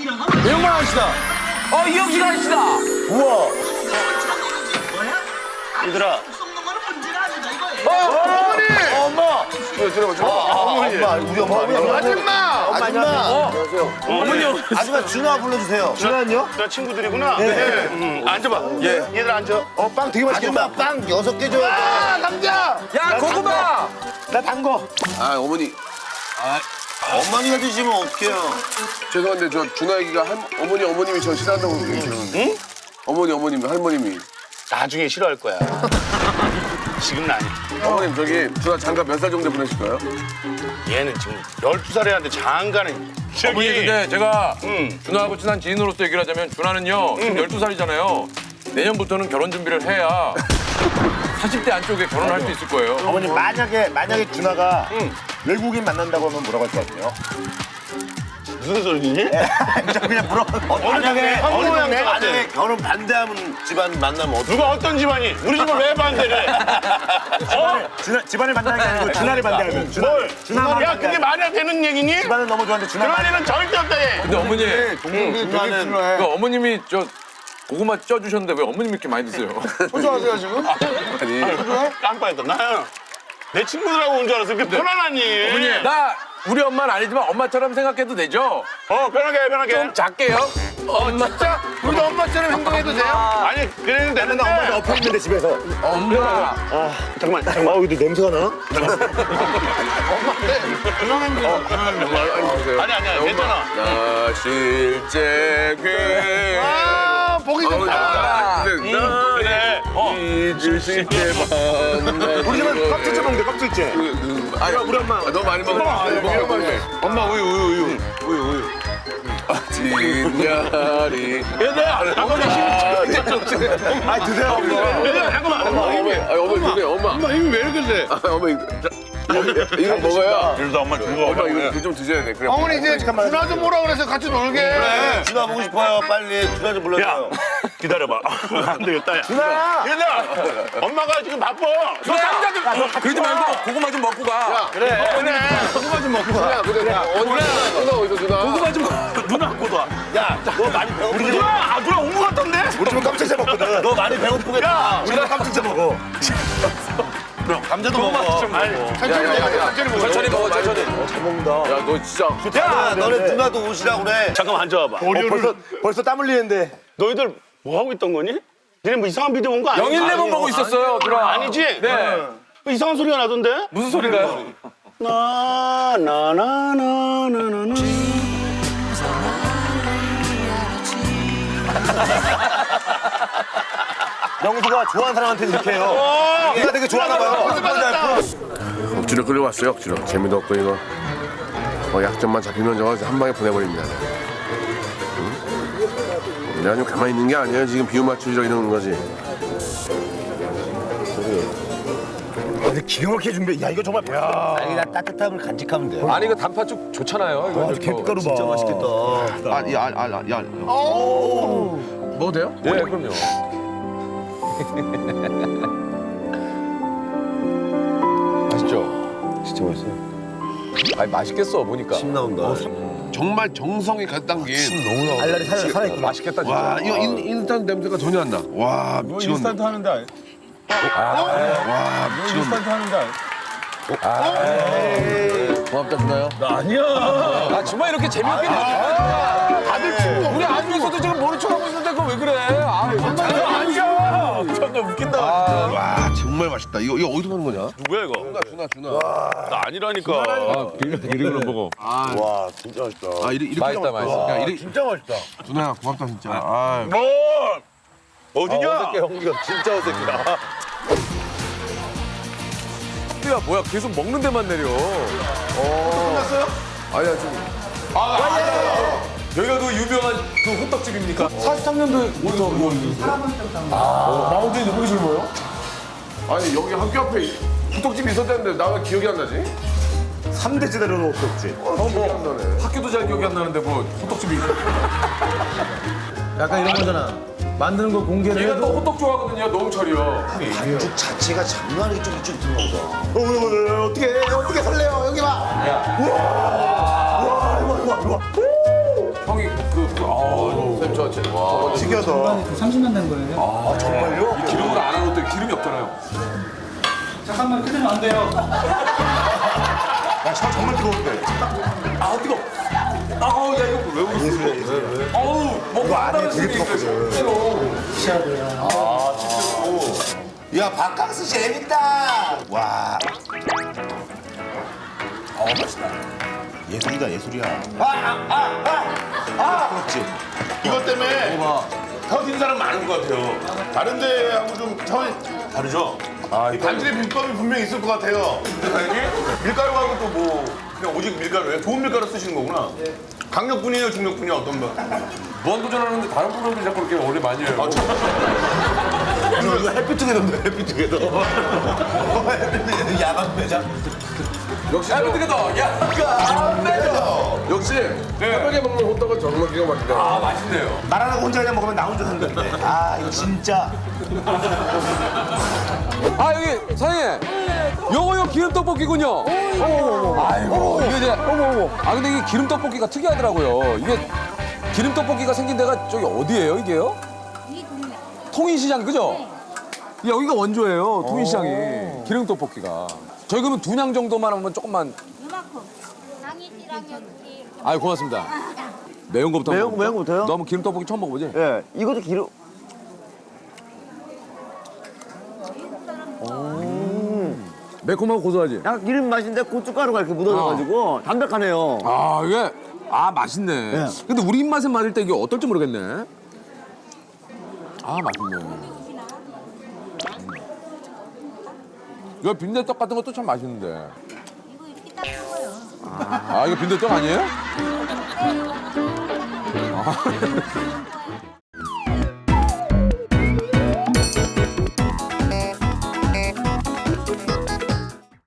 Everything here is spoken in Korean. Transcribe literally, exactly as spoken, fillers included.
매운맛 아저씨다. 어, 이영식 아저씨다. 우와. 얘들아. 어머니. 엄마. 들어봐, 들어봐. 어머니. 엄마, 우리 엄마. 아줌마. 아줌마. 안녕하세요. 어머니. 아줌마 준아 불러주세요. 준아는요? 저 친구들이구나. 네. 음, 앉아봐. 예. 얘들 앉아. 어, 빵 되게 맛있겠다. 아줌마 빵 여섯 개 줘야 돼. 아, 남자. 야, 고구마. 나 단 거. 아, 어머니. 어머니가 드시면 어떡해요. 죄송한데, 저 준하 얘기가 한, 어머니, 어머님이 저 싫어한다고 얘기하는데. 응? 어머니, 어머님, 할머님이. 나중에 싫어할 거야. 지금은 아니. 어머님, 저기, 준하 장가 몇 살 정도 보내실까요? 얘는 지금 열두 살에 하는데 장가는 어머니, 근데 제가 응. 준하하고 친한 지인으로서 얘기를 하자면 준하는요, 지금 열두 살이잖아요. 내년부터는 결혼 준비를 해야 사십 대 안쪽에 결혼할 수 있을 거예요. 어머니 만약에 만약에 준아가 외국인 만난다고 하면 뭐라고 할 것 같아요? 무슨 소리니? 저 그냥 물어. 어, 만약에 어느 어느 동네 동네 같아? 만약에 결혼 반대하는 집안 만나면 어떻게? 누가 어떤 집안이? 우리 집을 왜 반대래? 어? 준아 집안을 반대하는 게 아니고 준아를 반대하면. 준아. 뭘? 준아만 야, 그게 말이 안 되는 얘기니? 집안은 너무 좋아하는데 준아. 그런 일은 절대 없다, 얘. 근데 어머니, 준아는 그 어머님이 저 고구마 쪄주셨는데 왜 어머님이 이렇게 많이 드세요? 소주하세요 지금? 아니. 깜빡했다. 나는 내 친구들하고 온 줄 알았어. 그게 편안하니. 어머니, 나 우리 엄마는 아니지만 엄마처럼 생각해도 되죠? 어, 편하게 해, 편하게. 좀 작게요? 엄마. 진짜? 우리도 엄마처럼 행동해도 돼요? 아니, 그래도 되는데. 엄마가 엎어 있는데 집에서. 엄마. 아 잠깐만 잠깐만. 어 근데 냄새가 나? 아니, 아니야, 괜찮아. 나 실제 괴. 아 보기 좋다. 근데 나 그래. 어. 잊을 수 있게 만나. 우리 집은 깍두째 먹는데 깍두째. 아니, 우리 엄마. 아, 너무 많이 먹어. 많이 먹어. 많이 엄마 우유 우유 우유 우유 우유. 진야리. 얘들아, 어머니 힘이 아 드세요 엄마. 얘들아, 잠깐만. 엄마, 어머니, 아, 어머니 주세요, 엄마. 엄마 힘이 왜 이렇게 세? 아, 어머니. 이거 먹어야. 그래도 엄마 준 거. 엄마 이거 좀 드셔야 돼. 그래. 어머니 이제 잠깐만. 준아 좀 오라 그래서 같이 놀게. 그래. 준아 보고 싶어요. 빨리 준아 좀 야, 불러줘요. 기다려봐. 안 되겠다, 야. 준아. 얘들아, 엄마가 지금 바빠. 저 남자 좀 그러지 말고 고구마 좀 먹고 가. 그래. 그래. 고구마 좀 먹고 가. 야, 근데 나 누나 누나 어디서 누나? 고구마 좀 누나 갖고 와. 야, 너 많이 배고프겠다. 우리 집은 누나, 아, 누나 온 거 같던데? 우리 집은 깜짝이야 먹거든. 너 많이 배고프겠다. 우리가 깜짝이야 먹어. 감자도 먹어. 아니, 천천히 먹어. 천천히 먹어. 천천히 먹어, 천천히. 잘 먹는다. 야, 너 진짜. 야, 너네 누나도 오시라고 그래. 잠깐만 앉아봐. 어, 벌써 벌써 땀 흘리는데. 너희들 뭐 하고 있던 거니? 니네 뭐 이상한 비디오 본 거 아니야? 영일레몬 보고 있었어요, 누나. 아니지? 네. 뭐 이상한 소리가 나던데? 무슨 소리가요? 나, 나, 나, 나, 나, 나, 나. 영수가 좋아하는 사람한테 이렇게 해요. 얘가 되게 좋아하나 봐요. 억지로 끌려왔어요, 억지로. 재미도 없고 이거. 어, 약점만 잡히면 저거 한 방에 보내버립니다. 응? 내가 좀 가만히 있는 게 아니에요. 지금 비유 맞추려 이러는 거지. 근데 기가 막히게 준비해. 야, 이거 정말 아니, 나 따뜻함을 간직하면 돼. 아니, 이거 단팥죽 좋잖아요. 이거 아, 개가루 봐. 진짜 맛있겠다. 아, 야, 아, 야, 야. 먹어도 돼요? 예, 그럼요. 맛있죠? 진짜 맛있어요. 아니, 맛있겠어, 보니까. 침 나온다. 정말 정성이 가 담긴. 너무 나와. 알알이 살아 살아있구나. 맛있겠다, 진짜. 와, 이거 인, 인스턴트 냄새가 전혀 안 나. 와, 미치겠네. 하는데 아니- 와, 미치겠네. 인스턴트 하는데 아니- 고맙다, 준아요. 아니야. 아, 정말 이렇게 재밌게 먹 다들 친구. 우리 안에서도 지금 모른 척하고 있는데 그거 왜 그래? 아, 아니야. 정말 웃긴다. 와, 정말 맛있다. 이거, 이거 어디서 파는 거냐? 누구야 이거? 준아, 준아, 준아. 나 아니라니까. 아, 이름으로 보고. 와, 진짜 맛있다. 아, 이렇게, 이렇게 맛있다, 맛있어. 야, 이렇게. 진짜 맛있다. 준아야, 고맙다, 진짜. 아, 뭐? 어디냐? 형이가 진짜 어색이다. 야, 뭐야, 계속 먹는 데만 내려. 끝났어요? 아니야, 지금. 여기가 그 유명한 그 호떡집입니까? 사십삼 년도부터 마운틴이 호기술 뭐예요? 아니, 여기 학교 앞에 호떡집이 있었다는데 나 왜 기억이 안 나지? 삼 대 제대로는 없었지. 어, 기억이 안 나네. 학교도 잘 기억이 안 나는데 뭐 호떡집이. 약간 이런 거잖아. 만드는 거 공개를 얘가 해도 또 호떡 좋아하거든요, 노홍철이요. 반죽 자체가 장난 아니게 쫄깃쫄깃 들어가 보다. 어, 어, 어, 어떻게, 어떻게 설레요? 여기 봐. 우와. 우와, 우와, 우와, 우와. 형이 그 쌤 저, 저, 와. 신기하다. 삼십만 된 거예요. 아, 정말요? 기름으로 안 하는 것도 기름이 없잖아요. 잠깐만 끓이면 안 돼요. 야, 샤워 정말 뜨거운데. 아 뜨거. 아우 야 이거 왜 울었어? 예술이야, 예술이야. 어우 먹고 이거 안에 나면 되게 뜨겁거든. 시작이야. 야, 바캉스 재밌다. 와. 어, 맛있다. 예술이다, 예술이야. 아, 아, 아, 아, 아. 그렇지. 이것 때문에 터진 사람 많은 것 같아요. 다른 데하고 좀 차원이 다르죠? 아, 이거 단질의 비법이 분명히 있을 것 같아요. 사장님? 밀가루하고 또 뭐 그냥 오직 밀가루예요? 좋은 밀가루 쓰시는 거구나. 강력분이에요, 중력분이에요? 어떤 거? 무한도전하는데 다른 프로그램들이 자꾸 이렇게 원래 많이 해요. 이거, 이거 햇빛투게더인데, 햇빛투게더. 햇빛투게더 야간 매장. 역시, 야 저, 뜨거다. 야 역시, 새벽에 먹는 호떡은 정말 기가 막히다. 아 맛있네요. 말하는 거 혼자 그냥 먹으면 나 혼자 산다는데. 아, 이거 진짜. 아 여기 사장님 요거 요 기름 떡볶이군요. 아이고 이게 이제 아 근데 이게 기름 떡볶이가 특이하더라고요. 이게 기름 떡볶이가 생긴 데가 저기 어디예요 이게요? 통인시장 그죠? 여기가 원조예요 통인시장이 기름 떡볶이가. 저희 그러면 두 냥 정도만 하면 조금만. 이만큼. 당이지랑 여기. 아유 고맙습니다. 매운 거부터. 매운 한번 거, 매운 거부터요? 너 한번 기름 떡볶이 처음 먹어보지? 예, 이것도 기름. 매콤하고 고소하지? 약간 기름 맛인데 고춧가루가 이렇게 묻어져가지고 담백하네요. 아 이게 아 맛있네. 네. 근데 우리 입맛에 맞을 때 이게 어떨지 모르겠네. 아 맛있네. 이거 빈대떡 같은 것도 참 맛있는데. 이거 이렇게 딱 먹어요. 아 이거 빈대떡 아니에요? 네,